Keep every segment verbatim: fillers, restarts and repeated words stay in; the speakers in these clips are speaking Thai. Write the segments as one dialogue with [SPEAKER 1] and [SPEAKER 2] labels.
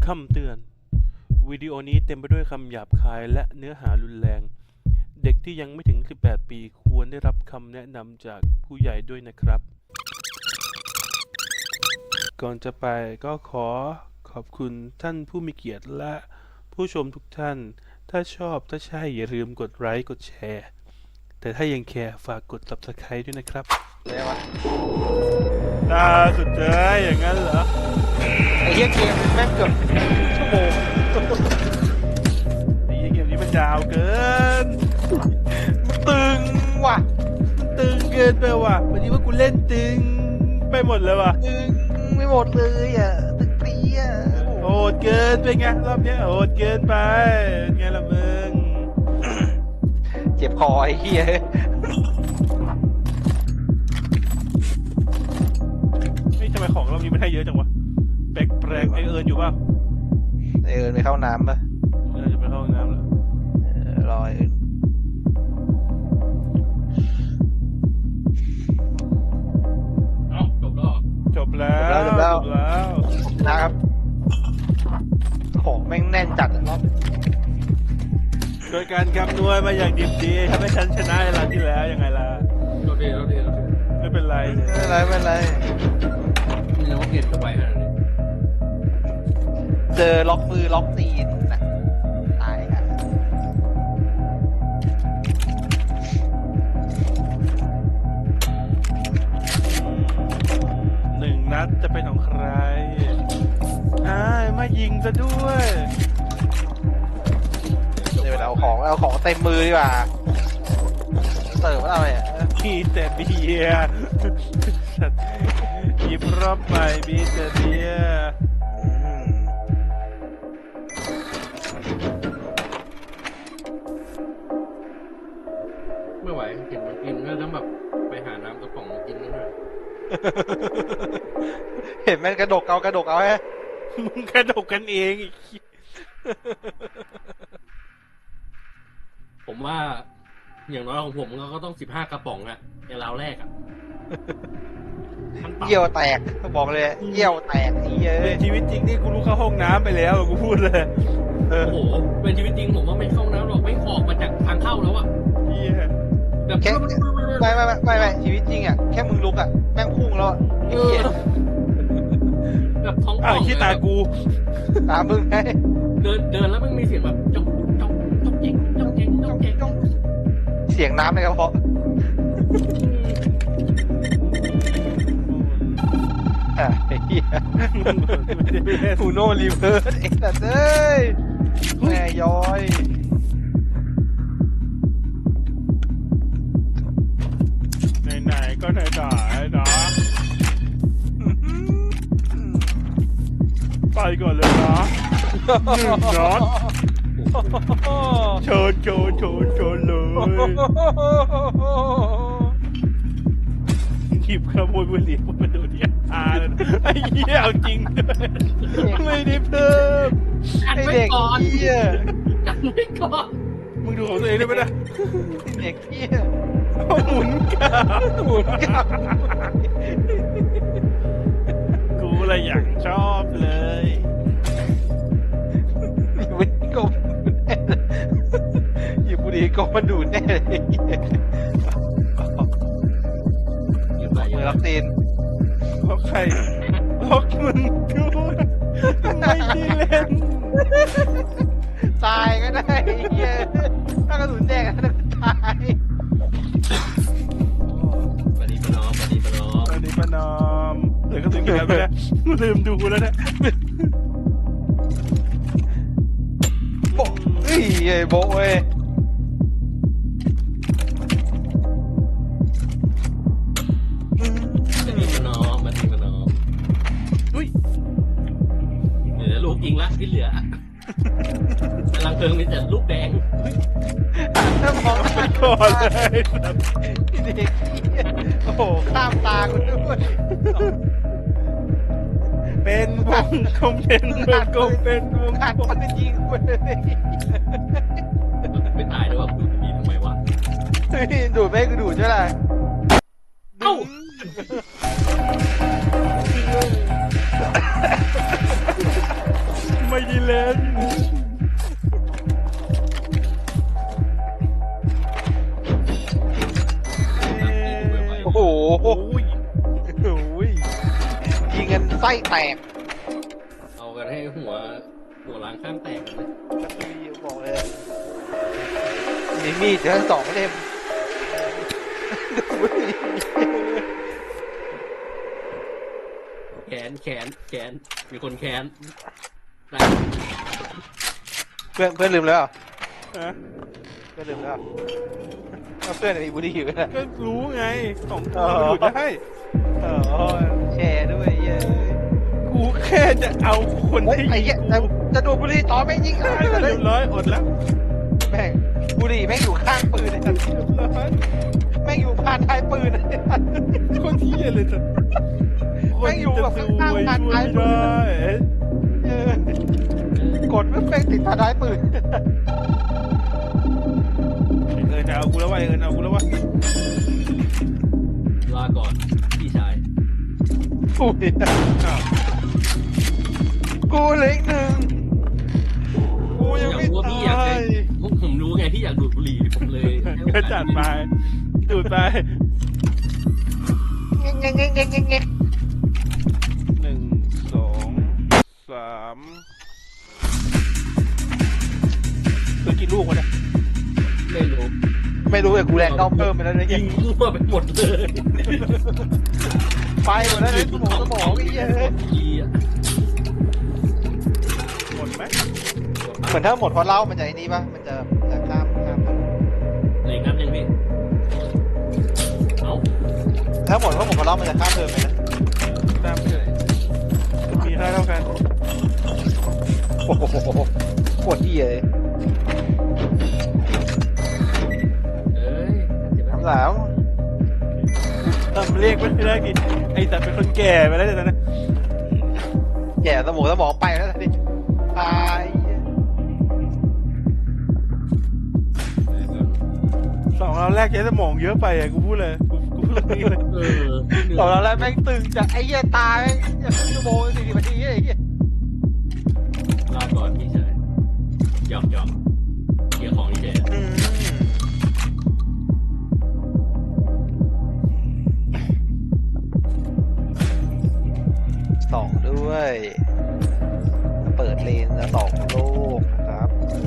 [SPEAKER 1] คำเตือนวิดีโอนี้เต็มไปด้วยคำหยาบคายและเนื้อหารุนแรงเด็กที่ยังไม่ถึงสิบแปดปีควรได้รับคำแนะนำจากผู้ใหญ่ด้วยนะครับก่อนจะไปก็ขอขอบคุณท่านผู้มีเกียรติและผู้ชมทุกท่านถ้าชอบถ้าใช่อย่าลืมกดไลค์กดแชร์แต่ถ้ายังแคร์ฝากกด ซับสไครบ์ ด้วยนะครับ
[SPEAKER 2] เลยวะ
[SPEAKER 1] ตาสุดเจ้ยอย่างนั้นเหรอ
[SPEAKER 2] ไอ้เหี้ยเกมแม่งเกือบชั่วโมง
[SPEAKER 1] ไอ้เกมนี้มันยาวเกิน
[SPEAKER 2] ตึงว่ะ
[SPEAKER 1] ตึงเกินไปว่ะวันนี้ว่ากูเล่นตึงไปหมดเลยว่ะ
[SPEAKER 2] ตึงไม่หมดเลยอ่ะตึงปีอ่ะ
[SPEAKER 1] โหดเกินไปไงรอบนี้โหดเกินไปไงล่ะมึง
[SPEAKER 2] เจ็บคอไอ้เหี้ย
[SPEAKER 1] นี่ทำไมของรอบนี้มันให้เยอะจังวะแปลกแปลกไอเอิญอยู่ป่ะ
[SPEAKER 2] ไอเอิญไปเข้าน้ำป่ะ
[SPEAKER 1] เออจะไปเข้าน้ำแล้ว
[SPEAKER 2] รอไอเอิญ
[SPEAKER 1] จบแล้วจบแล้วจบแล้ว
[SPEAKER 2] นะครับของแม่งแน่นจัดรอบ
[SPEAKER 1] โดยการคำนวณมาอย่างดีดีทำให้ฉันชนะในรอบที่แล้วยังไงล่ะ
[SPEAKER 3] เราดีเราดีเราดี
[SPEAKER 1] ไม่เป็นไร
[SPEAKER 2] ไม่เป็นไรไม่เป็นไร
[SPEAKER 3] มีเราเปลี่ยนตัวไปขนาดนี้
[SPEAKER 2] เจอล็อกมือล็อกตีนนะตายค่ะ
[SPEAKER 1] หนึ่งนัดจะเป็นของใครอ้ายมายิงซะด้วย
[SPEAKER 2] เดี๋ยวเอาของเอาของเต็มมือดีกว่าเสิร์ฟอะไรอ่ะ
[SPEAKER 1] มีแต่เบียร์หยิบรอบใหม่มีแต่เบียร์
[SPEAKER 3] ไม่ไหวเห็นมันกินก็ต้องแบบไปหาน้ำกระป๋องกินนิดหน่อย
[SPEAKER 2] เห็นมันกระดกเอากระดกเอาฮะ
[SPEAKER 1] มึงกระดกกันเองอีก
[SPEAKER 3] ผมว่าอย่างน้อยของผมก็ต้องสิบห้ากระป๋องอะในราวแรกอะ
[SPEAKER 2] เยี่ยวแตกบอกเลยเยี่ยวแตกนี่เยอะ
[SPEAKER 1] ชีวิตจริงนี่กูรู้เข้าห้องน้ำไปแล้วกูพูดเลย
[SPEAKER 3] โอ้โหเป็นชีวิตจริงผมว่าไม่เข้าน้ำหรอกไม่ออกมาจากทางเข้าแล้วอะ
[SPEAKER 2] แบบแค่ไม่ไม่ไม่ไม่ชีวิตจริงอะแค่มึงลุกอะแม่งพุ่งแล้วไอ้เหี้ย
[SPEAKER 3] แบบท้องป่
[SPEAKER 1] องขี้ตากู
[SPEAKER 2] ตามึงไง
[SPEAKER 3] เดินเดินแล้วมันมีเสียงแบบจ๊อกจ๊อกจ๊อกเจ๊งจ๊อกเจ๊งจ๊อกเจ๊งจ๊อก
[SPEAKER 2] เสียงน้ำในกระเพาะไอ้เหี้ยฟูโน่รีเวิร์สไอ้สัตว์เอ้ยแม่ย้อย
[SPEAKER 1] ไหนๆก็ไหนๆนะไปก่อนเลยนะหนึ่งน็อตเชิญเชิญเชิญเชิญเลยหยิบขโมยบุหรี่มาดูที่อาเลยไอ้เหี้ยเอาจริงด้วยไม่ได้เพิ่ม
[SPEAKER 2] ไอ้เด็กเหี้ย
[SPEAKER 3] กันไม่ก่อน
[SPEAKER 1] มึงดูของตัวเองได้ไหมนะ
[SPEAKER 2] เด็กเหี้ย
[SPEAKER 1] หมุนกับ
[SPEAKER 2] หมุนกับ
[SPEAKER 1] กูอะไรอย่างชอบเลย
[SPEAKER 2] วิ่งกบหยิบบุหรี่กบมาดูดแน่เลยมือล็อกตีน
[SPEAKER 1] ล็อกใครล็อกมึงกูไม่ได้เล่น
[SPEAKER 2] ตายก็ได้เหี้ยถ้ากระสุนแดงก็ตาย
[SPEAKER 3] ปฏิปนอมปฏิปนอม
[SPEAKER 1] ปฏิปนอมเหลือกระสุนกี่นัดไปแล้วลืมดูแล้วเนี่ย
[SPEAKER 2] โบ้เฮ้ยโบ้เว้ย
[SPEAKER 3] ปฏิปนอมปฏิปนอม
[SPEAKER 1] อุ้ย
[SPEAKER 3] เหลือลูกยิงละที่เหลือกำลังเพลิงมีแต่ลูกแดง
[SPEAKER 2] ถ้ามอง
[SPEAKER 1] ไปก่อนเลย
[SPEAKER 2] เด็กโอ้โหข้ามตาคุณด้วย
[SPEAKER 1] เป็นวงกลมเป็นวงกลมเป็นวง
[SPEAKER 2] ขาดคนจะยิงคุณเลย
[SPEAKER 3] ไม่ตายด้วยว่าดูดนี้ทำไมวะ
[SPEAKER 2] ดูดไม่กูดูดใช่ไหม
[SPEAKER 3] เอ้า
[SPEAKER 1] ไม่ได้เล่น
[SPEAKER 2] โอ้โห
[SPEAKER 1] โอ้ย
[SPEAKER 2] โอ้ยยิงกันไส้แตก
[SPEAKER 3] เอากันให้หัวหัวล้างข้างแตกกันเลย
[SPEAKER 2] กระตุยบอกเลยอะมีมีดเดี๋ยวสองเล่มโอ้ย
[SPEAKER 3] แขนแขนแขนมีคนแขนได้
[SPEAKER 2] เพื่อนเพื่อนลืมแล้วเหรอ
[SPEAKER 1] ฮะ
[SPEAKER 2] เพื่อนลืมแล้วเหรอเอาเพื่อนมีบุหรี่อยู่นะ
[SPEAKER 1] ก็รู้ไงของกูมันดูดได้
[SPEAKER 2] เออแชร์ด้วยเย้ย
[SPEAKER 1] กูแค่จะเอาคน
[SPEAKER 2] เฮ้ย
[SPEAKER 1] ที่
[SPEAKER 2] ไอ้เหี้ยจะจะดูดบุหรี่ต่อไม่งยิงอะไรกันเล
[SPEAKER 1] เรี
[SPEAKER 2] ย
[SPEAKER 1] ยบร้อยอดแล้ว
[SPEAKER 2] แม่งบุหรี่แม่งอยู่ข้างปืนเลย
[SPEAKER 1] เรียบร้อย
[SPEAKER 2] แม่งอยู่พานท้ายปืนเลย
[SPEAKER 1] คนที่เลยจ้ะ
[SPEAKER 2] แม่งอยู่แบบข้างๆ
[SPEAKER 1] ค
[SPEAKER 2] พาน
[SPEAKER 1] น
[SPEAKER 2] ท้าย
[SPEAKER 1] จะ
[SPEAKER 2] ปื
[SPEAKER 1] ช่วย
[SPEAKER 2] น
[SPEAKER 1] ไม่ได้
[SPEAKER 2] เออกดไม่เป็นติดพานท้ายปืน
[SPEAKER 1] เออจะเอากูแล้ววะเออเอากูแล้ววะ
[SPEAKER 3] ลาก่อนพี่ชาย
[SPEAKER 2] อุ้ย
[SPEAKER 1] อ้าว
[SPEAKER 2] กูเหล็กหนึ่งกูยัง
[SPEAKER 3] อยาก
[SPEAKER 2] ไม่
[SPEAKER 3] รู้ว่าพี่อยาก
[SPEAKER 2] ตา
[SPEAKER 3] จะ
[SPEAKER 2] ย
[SPEAKER 3] ผมรู้ไงพี่อยากดูดบุหรี่ผมเลยให้โอ
[SPEAKER 1] ก็
[SPEAKER 3] กาส
[SPEAKER 1] จัดไปดูดไป
[SPEAKER 2] เงี้ยเงี้ยเงี้ยเงี้ยเงี้ยเงี้ย
[SPEAKER 1] หนึ่งสองสามคือกี่ลูกวะเนี่ย
[SPEAKER 3] ไม่รู้
[SPEAKER 2] ไม่รู้แต่กูแรงเข้าเพิ่มไปแล้วเนี่ย
[SPEAKER 3] ยิงมั่วไปหมดเลย
[SPEAKER 2] ไปหมดแล้วเนี่ยสมองสมองไอ้เหี้ยเอ้ย
[SPEAKER 3] ยีอ่ะ
[SPEAKER 1] หมดไหม
[SPEAKER 2] เหมือนถ้าหมดเพราะเหล้ามันจะไอ้นี่ป่ะมันจะจะข้ามข้าม
[SPEAKER 3] เลยนับยังพี่เอ้า
[SPEAKER 2] ถ้าหมดเพราะหมดเพราะเหล้ามันจะข้ามเดินไปนะ
[SPEAKER 1] ตามไปเลยมีค่าเท่ากัน
[SPEAKER 2] โอ้โหปวดที่เลย
[SPEAKER 3] เอ้ยเจ็บไหม
[SPEAKER 2] น้ำสาว
[SPEAKER 1] ทำเรียกไม่ได้กี่ไอ้แต่เป็นคนแก่ไปแล้วเดี๋ยวนะ
[SPEAKER 2] แก่สมองสมองไปแล้วนี่ตายเหี้ย
[SPEAKER 1] สองเราแรกใช้สมองเยอะไปอ่ะกูพูดเลยกูกูพูดเลยเลย
[SPEAKER 3] เออ
[SPEAKER 2] ต่อแล้วแล้วแม่งตึงจากไอ้เหี้ยตายแม่งชั่วโมงสี่สิบนาทีไอ้เหี้ย
[SPEAKER 3] ลาก่อนพี่ชายหยอกหยอกเกี่ยวของนี่เฉย
[SPEAKER 2] อืมสองด้วยเปิดเลนแล้วสองโลกนะครับ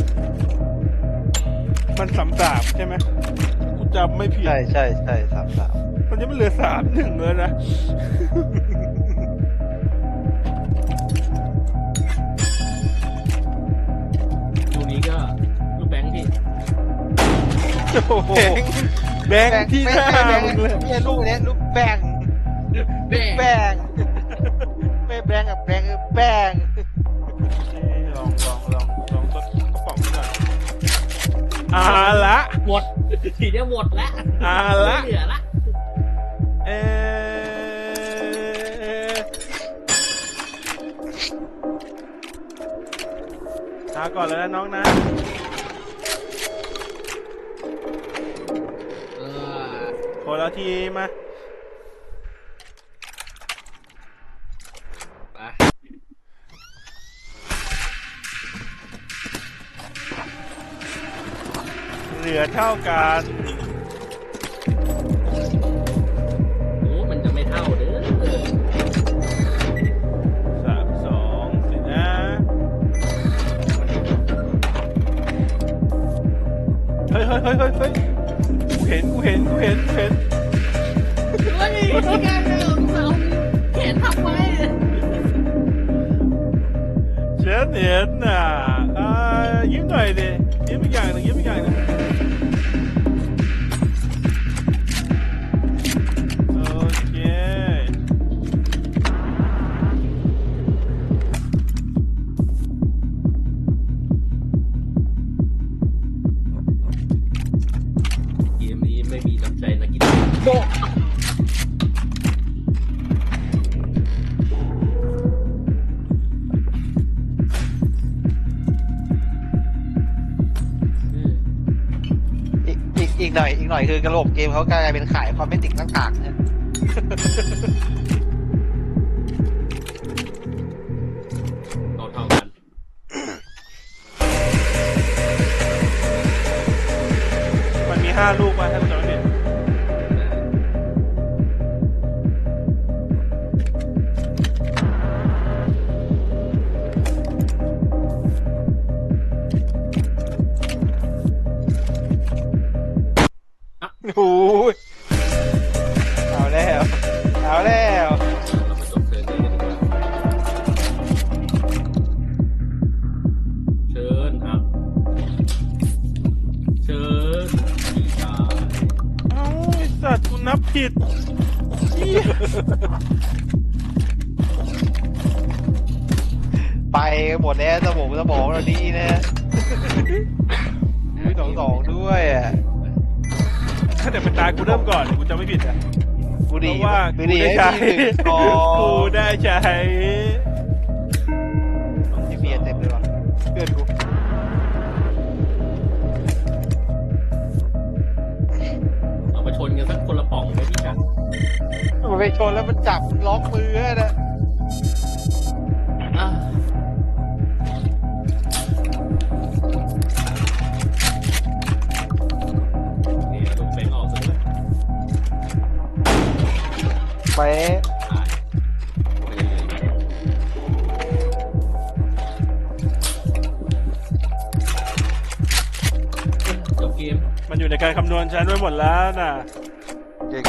[SPEAKER 1] มันสามสามใช่ไหมกูจำไม่ผิด
[SPEAKER 2] ใช่ใช่ใช่สามสาม
[SPEAKER 1] มันจะไม่เหลือสามหนึ่งเลยนะ
[SPEAKER 3] ลูกนี้ก็ลูกแบงค์พี่
[SPEAKER 1] โอ้โหแบงค์ที่หน้า
[SPEAKER 2] แบง
[SPEAKER 1] มึงเลย
[SPEAKER 2] เนี่ยลูกเนี้ยลูกแบง
[SPEAKER 3] แบง
[SPEAKER 2] แบงไม่แบงกับแบงแบง
[SPEAKER 1] ลองลองลองลองต้นกระป๋องหน่อยอ่าละ
[SPEAKER 3] หมดทีเนี้ยหมดละ
[SPEAKER 1] อ่าละ
[SPEAKER 3] ไม่เหลือละ
[SPEAKER 1] เออเอาก่อนเลยนะน้องนะ
[SPEAKER 3] เออ
[SPEAKER 1] คนละทีมา
[SPEAKER 3] ไป
[SPEAKER 1] เหลือเท่ากัน
[SPEAKER 3] โอ้มันจะไม่เท่าเด้อ
[SPEAKER 1] สามสองสินะเฮ้ยเฮ้ยเฮ้ยเฮ้ยเฮ้ยกูเห็นกูเห็นกูเห็นกูเห็น
[SPEAKER 3] เฮ้ยนี่ไงเราเราแขนทับไว้
[SPEAKER 1] ฉันเห็นน่ะอ่ายิ้มหน่อยดิยิ้มอีกอย่างหนึ่งยิ้มอีกอย่างหนึ่งโอเค
[SPEAKER 3] เกมนี้ไม่มีน้ำใจนักกีฬาโบะเออ
[SPEAKER 2] อีกอีกอีกหน่อยอีกหน่อยคือกระโหลกเกมเขากลายเป็นขายคอมเมนติกต่างๆเนี่ย
[SPEAKER 3] เราเท่ากัน
[SPEAKER 1] ห้าลูกมาถ้าผมจำไม่ผิด
[SPEAKER 2] โอ้ยเอาแล้ว เอาแล้ว
[SPEAKER 3] เราไปจบเชิญเลยกันดีกว่าเชิญครับเชิญพี่ชาย
[SPEAKER 1] เอ้าไอ้สัตว์กูนับผิดเหี้ย
[SPEAKER 2] ไปหมดแล้วสมองสมองเราดีนะมีสองสองด้วยอ่ะ
[SPEAKER 1] ถ้าแต่เป็นตากูเริ่มก่อนกูจะไม่ผิดอ่ะ
[SPEAKER 2] กู
[SPEAKER 1] เพ
[SPEAKER 2] ดี
[SPEAKER 1] ราะว่า
[SPEAKER 2] กู
[SPEAKER 1] กู
[SPEAKER 2] ดี
[SPEAKER 1] ได้
[SPEAKER 2] ให้
[SPEAKER 1] ใช้
[SPEAKER 2] พี่หนึ่งกอ
[SPEAKER 1] กูได้ใช้
[SPEAKER 2] ที่เบียร์เต็มเลยว่ะเพื่อนกู
[SPEAKER 3] เรามาชนกันสักคนละป่องไหมพี่กัน
[SPEAKER 2] มันไปชนแล้วมันจับล็อกมือให้นะ
[SPEAKER 3] อ่ะนี่เราต้องเฟ้งออกซะด้วย
[SPEAKER 2] ไป
[SPEAKER 3] ตายไปเรื่อยๆจบเกม
[SPEAKER 1] มันอยู่ในการคำนวณฉันไว้หมดแล้วน่ะ
[SPEAKER 2] เก่ง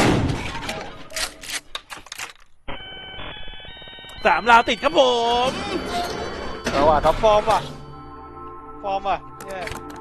[SPEAKER 1] สามราวติดครับผม
[SPEAKER 2] เอาว่ะท็อปฟอร์มว่ะฟอร์มว่ะเนี่ย